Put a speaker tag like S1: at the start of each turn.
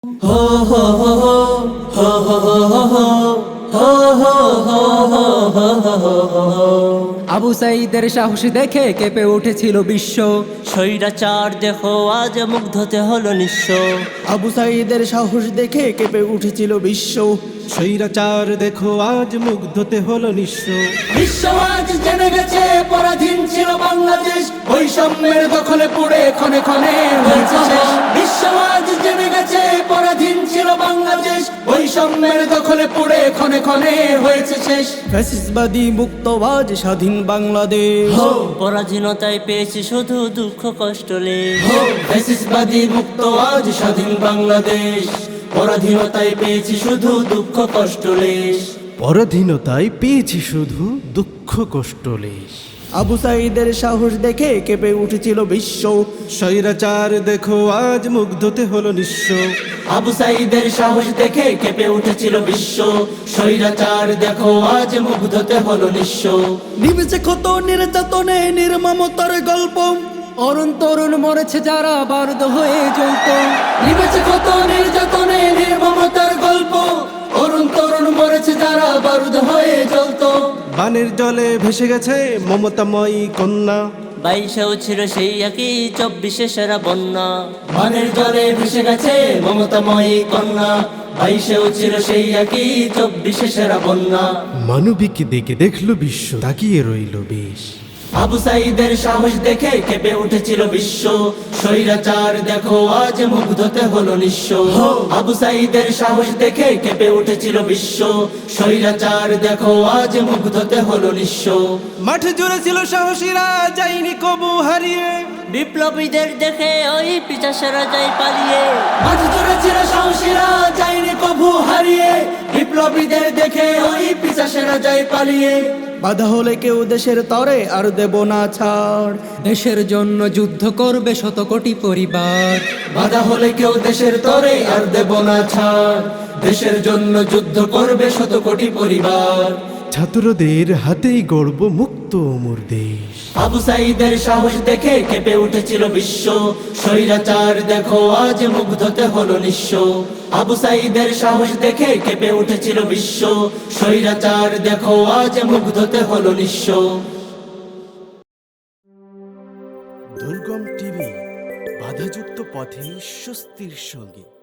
S1: ho ho ho ho ho ho ho
S2: Abu সাঈদের সাহস দেখে কেঁপে উঠেছিল বিশ্ব।
S1: স্বৈরাচার দেখো আজ মুগ্ধতে হলো নিঃস্ব।
S3: আবু সাঈদের সাহস দেখে কেঁপে উঠেছিল বিশ্ব।
S4: স্বৈরাচার দেখো আজ মুগ্ধতে হলো নিঃস্ব।
S3: বিশ্ব আজ জেনে গেছে পরাধীন ছিল বাংলাদেশ, বৈষম্যের দখলে পড়ে ক্ষণে ক্ষণে হয়েছে শেষ। বিশ্ব আজ জেনে গেছে পরাধীন ছিল বাংলাদেশ, বৈষম্যের দখলে পড়ে ক্ষণে ক্ষণে হয়েছে শেষ। ফ্যাসিস্টবাদী মুক্তবাজ স্বাধীন বাংলাদেশ,
S1: পরাধীনতায় পেয়েছি শুধু দুঃখ কষ্ট লেশ।
S3: ফ্যাসিস্টবাদী মুক্তবাজ স্বাধীন বাংলাদেশ, পরাধীনতায় পেয়েছি শুধু দুঃখ কষ্ট লেশ।
S4: পরাধীনতায় পেয়েছি শুধু দুঃখ কষ্ট লেশ।
S3: আবু সাঈদের সাহস দেখে কেঁপে উঠেছিল বিশ্ব।
S4: স্বৈরাচার দেখো আজ মুগ্ধতে হলো নিঃস্ব।
S3: আবু সাঈদের সাহস দেখে কেঁপে উঠেছিল বিশ্ব। স্বৈরাচার দেখো আজ মুগ্ধতে হলো নিঃস্ব। নিমেছে কত নির্যাতনে নির্মমতার গল্প,
S2: অরুণ তরুণ মরেছে যারা বারুদ হয়ে জ্বলত।
S3: নিমেছে কত নির্যাতনে নির্মমতার গল্প, অরুণ তরুণ মরেছে যারা বারুদ হয়ে জ্বলত।
S4: বানের জলে ভেসে গেছে মমতাময়ী কন্যা।
S1: 22-এও ছিল সেই একই 24-এ সেরা বন্যা।
S3: বানের জলে ভেসে গেছে মমতাময়ী কন্যা, 22-এও ছিল সেই একই 24-এ সেরা বন্যা।
S4: মানবিক দেখে দেখলো বিশ্ব, তাকিয়ে রইল বেশ।
S3: আবু সাঈদের সাহস দেখে কেঁপে উঠেছিল বিশ্ব। স্বৈরাচার দেখো আজ মুগ্ধতে হলো নিঃস্ব। আবু সাঈদের সাহস দেখে কেঁপে উঠেছিল বিশ্ব। স্বৈরাচার দেখো আজ মুগ্ধতে হলো নিঃস্ব।
S4: মাঠে জুড়ে ছিল সাহসীরা, যায়নি কবু হারিয়ে।
S1: বিপ্লবীদের দেখে ওই পিছাসেরা যায় পালিয়ে।
S3: মাঠ জুড়ে ছিল সাহসীরা, যায়নি কভু হারিয়ে। বিপ্লবীদের দেখে ওই পিছাসেরা যায় পালিয়ে। বাধা হলে কেউ দেশের তরে আর দেব না ছাড়,
S2: দেশের জন্য যুদ্ধ করবে শত কোটি পরিবার।
S3: বাধা হলে কেউ দেশের তরে আর দেব না ছাড়, দেশের জন্য যুদ্ধ করবে শত কোটি পরিবার।
S4: ছাত্রদের হাতেই গর্ব মুক্ত অমর দেশ।
S3: আবু সাঈদের সাহস দেখে কেঁপে উঠেছিল বিশ্ব। স্বৈরাচার দেখো আজ মুগ্ধতে হলো নিঃস্ব। আবু সাঈদের সাহস দেখে কেঁপে উঠেছিল বিশ্ব। স্বৈরাচার দেখো আজ মুগ্ধতে হলো নিঃস্ব।
S4: দুর্গম টিভি, বাধাযুক্ত পথে স্বস্তির সঙ্গে।